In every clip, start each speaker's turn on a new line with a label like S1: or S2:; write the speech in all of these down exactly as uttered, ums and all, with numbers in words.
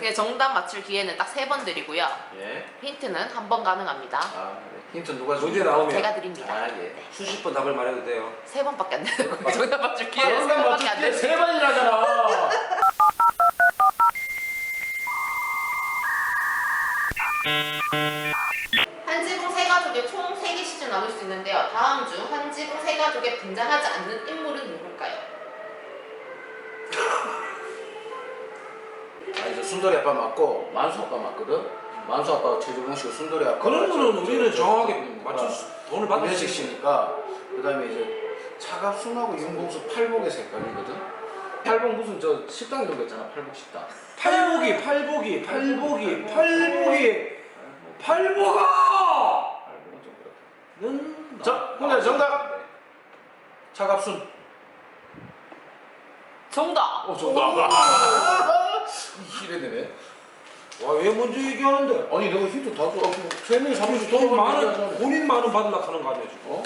S1: 네, 정답 맞출 기회는 딱 세 번 드리고요.
S2: 예.
S1: 힌트는 한 번 가능합니다.
S2: 아, 네. 힌트 누가
S3: 문제
S2: 줍니까?
S3: 나오면
S1: 제가 드립니다.
S2: 아, 예.
S3: 수십 번 답을 말해도 돼요.
S1: 세 번밖에 안 되는 거예요. 정답 맞출 기회 세
S2: 정답
S1: 번밖에 안
S2: 맞출
S1: 되는
S2: 세 번이라잖아.
S1: 한지붕 세 가족의 총 세 개 시즌 나눌 수 있는데요. 다음 중 한지붕 세 가족에 등장하지 않는 인물은 누굴까요?
S2: 아니, 저 순돌이 아빠 맞고 만수 아빠 맞거든. 만수 아빠가 최주봉 씨고 순돌이 아빠.
S3: 그런 거는 우리는 정확하게 맞출 수, 돈을 받을 수
S2: 김현식
S3: 있으니까.
S2: 씨니까. 그다음에 이제 차갑순하고 윤봉수 팔복에서 헷갈리거든. 팔복 무슨 저 식당 이런 거 있잖아. 팔복 식당.
S3: 팔복이 팔복이 팔복이 팔복이 팔복아!
S2: 팔복은 좀 그렇다.
S3: 는
S2: 자, 혼자 정답. 차갑순.
S1: 정답!
S2: 어, 정답. 이래 되네.
S3: 와왜 먼저 얘기하는데?
S2: 아니 내가 힌트 다 줘. 세 명이 삼십
S3: 돈 많은 본인 많은 받으려 하는 거 아니야 지금?
S2: 어?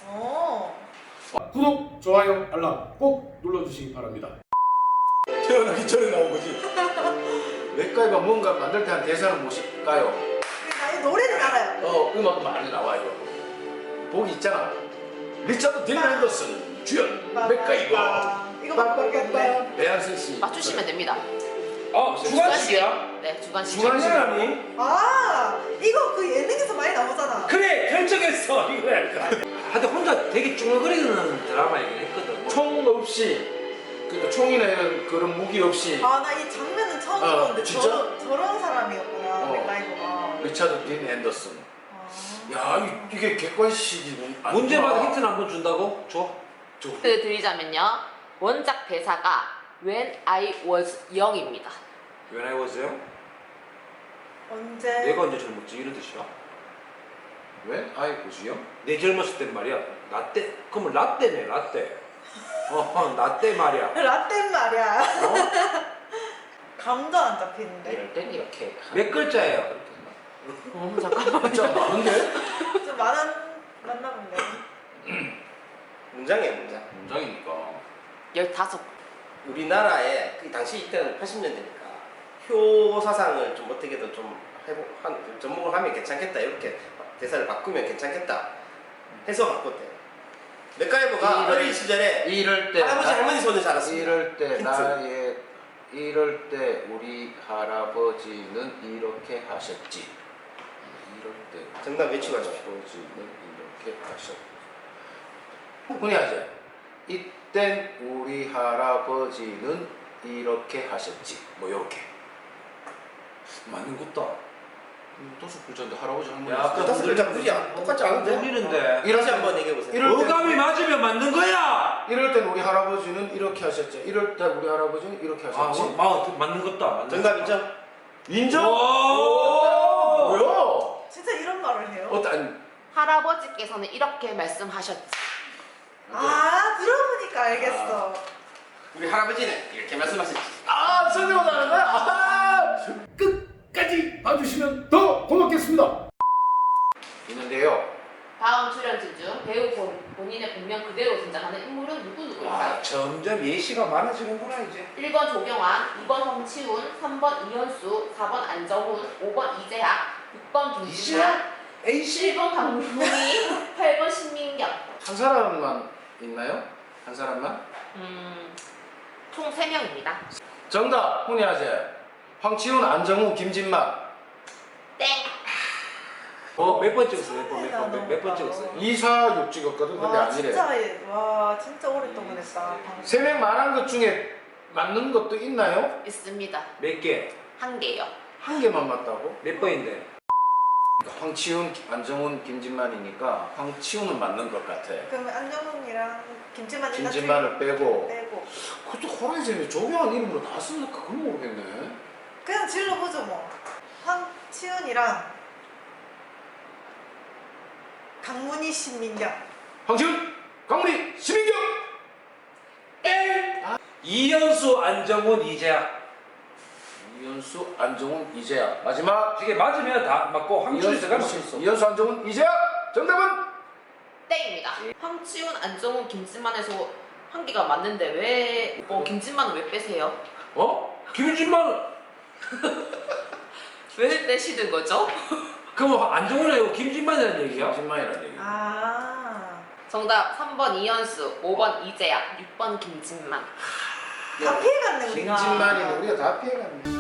S1: 어.
S4: 구독, 좋아요, 알람 꼭 눌러주시기 바랍니다.
S2: 태어나기 전에 나온 거지. 맥가이가 뭔가 만들 때 한 대사는 무엇일까요?
S5: 아니 노래는 알아요.
S2: 어, 음악은 많이 나와요. 보기 있잖아. 리차드 딘 앤더슨 주연 맥가이버.
S5: 이거 모르겠네.
S2: 배한승 씨.
S1: 맞추시면 됩니다.
S3: 아 주관식이야?
S1: 네, 주관식.
S3: 장난하니?
S5: 아 이거 그 예능에서 많이 나오잖아.
S3: 그래 결정했어 이거야. 하여튼 혼자 되게 쭈글거리는 드라마이긴 했거든.
S2: 총 없이, 그러니까 총이나 이런 그런 무기 없이
S5: 아 나 이 장면은 처음
S2: 어,
S5: 보는데
S2: 진짜?
S5: 저런 저런 사람이었구나.
S2: 어.
S5: 맥가이버가.
S2: 리차드 딘 앤더슨.
S5: 아.
S2: 야, 이- 이게 객관식이
S3: 문제마다 힌트는 한 번 준다고? 줘.
S1: 힌트 드리자면요. 원작 대사가 When I was young입니다.
S3: When I was young?
S5: 언제?
S3: 내가 언제 젊었지 이런 뜻이야?
S2: 왜? 아이 고수요?
S3: 내 젊었을 땐 말이야. 나 때, 그러면 라떼네 라떼. 어, 나 때 말이야.
S5: 라떼 말이야.
S3: 어?
S5: 감도 안 잡히는데.
S2: 이럴 땐 이렇게.
S3: 몇 글자예요?
S1: 어, 잠깐만요.
S2: 진짜 많은데?
S5: 좀 많은 맞나 본데.
S6: 문장이에요, 문장.
S2: 문장이니까.
S1: 열다섯.
S6: 우리나라에 그 당시 이때는 팔십 년대니까 효 사상을 좀 어떻게든 좀 해보, 한, 접목을 하면 괜찮겠다 이렇게 대사를 바꾸면 괜찮겠다 해서 바꿨대. 맥가이버가
S2: 이럴-
S6: 어린 시절에
S2: 이럴 때
S6: 할아버지
S2: 나-
S6: 할머니 손을 잡았습니다.
S2: 이럴 때
S6: 힌트.
S2: 나의 이럴 때 우리 할아버지는 이렇게 하셨지. 이럴 때
S6: 정답 외치고 하십시오.
S2: 할아버지는 이렇게 하셨지. 흔히 하지. 이땐 우리 할아버지는 이렇게 하셨지. 뭐 요렇게.
S3: 맞는 것다.
S2: 음, 다섯 글자인데 할아버지 할머니.
S3: 야,
S6: 그 다섯 글자 무리야. 똑같지 않은데?
S3: 들리는데.
S2: 이럴
S6: 다시
S2: 때-
S6: 한번 얘기해 보세요.
S2: 이럴 때-
S3: 어감이 맞으면 맞는 거야.
S2: 이럴 땐 우리 할아버지는 이렇게 하셨지. 이럴 때 우리 할아버지는 이렇게
S3: 아,
S2: 하셨지.
S3: 뭐, 마, 맞는 것다. 맞는
S6: 정답
S3: 것다.
S6: 인정?
S2: 인정?
S3: 오!
S2: 뭐야?
S5: 진짜 이런 말을 해요?
S2: 어떤
S1: 할아버지께서는 이렇게 말씀하셨지.
S5: 아 들어보니까 알겠어.
S6: 우리 할아버지는 이렇게 말씀하셨지.
S2: 아, 설명을 하는 거야? 아!
S4: 끝까지 봐주시면 더 고맙겠습니다.
S2: 있는데요.
S1: 다음 출연진 중 배우 본, 본인의 본명 그대로 등장하는 인물은 누구 누구일까요?
S3: 아, 점점 예시가 많아지는구나 이제.
S1: 일 번 조경환, 이 번 성치훈, 삼 번 이현수, 사 번 안정훈, 오 번 이재학, 육 번 김지현,
S3: A씨.
S1: 칠 번 강문희, 팔 번 신민경.
S2: 한 사람만 있나요? 한 사람만?
S1: 음, 총 세 명입니다.
S2: 정답, 혼이하세. 황치훈, 안정우, 김진만.
S1: 땡!
S3: 어, 몇 번 찍었어? 몇 번, 몇 번, 몇, 몇번 찍었어?
S2: 이사육 찍었거든. 근데
S5: 와
S2: 아니래.
S5: 진짜 예- 와 진짜 오랫동안 했다. 방송.
S2: 세 명 말한 것 중에 맞는 것도 있나요?
S1: 있습니다.
S3: 몇 개?
S1: 한 개요.
S2: 한 개만 맞다고?
S3: 몇 번인데?
S2: 그러니까 황치훈, 안정훈, 김진만이니까 황치훈은 맞는 것 같아.
S5: 그러면 안정훈이랑 김치만 일단
S2: 김진만을 빼고.
S5: 빼고
S2: 그것도 호라이즌이 조경환 이름으로 다 쓰니까 그건 모르겠네.
S5: 그냥 질러보죠 뭐. 황치훈이랑 강문희 신민경.
S2: 황치훈, 강문희, 심인경.
S3: 이현수, 안정훈, 이재학.
S2: 이현수, 안정훈, 이재학. 마지막.
S3: 이게 맞으면 다 맞고 황준이
S2: 이현수,
S3: 들어갈 수 있어.
S2: 이현수, 안정훈, 이재학. 정답은?
S1: 땡입니다. 황치훈, 안정훈, 김진만에서 한 개가 맞는데 왜 어, 김진만은 왜 빼세요?
S2: 어?
S3: 김진만
S1: 왜 떼시는 거죠?
S3: 그럼 안정훈이 아니고 김진만이라는 얘기야?
S2: 김진만이라는 얘기.
S5: 아.
S1: 정답 삼 번 이현수, 오 번 이재야, 육 번 김진만.
S5: 다 피해갔네 우리가.
S2: 김진만이는 우리가 다 피해갔네.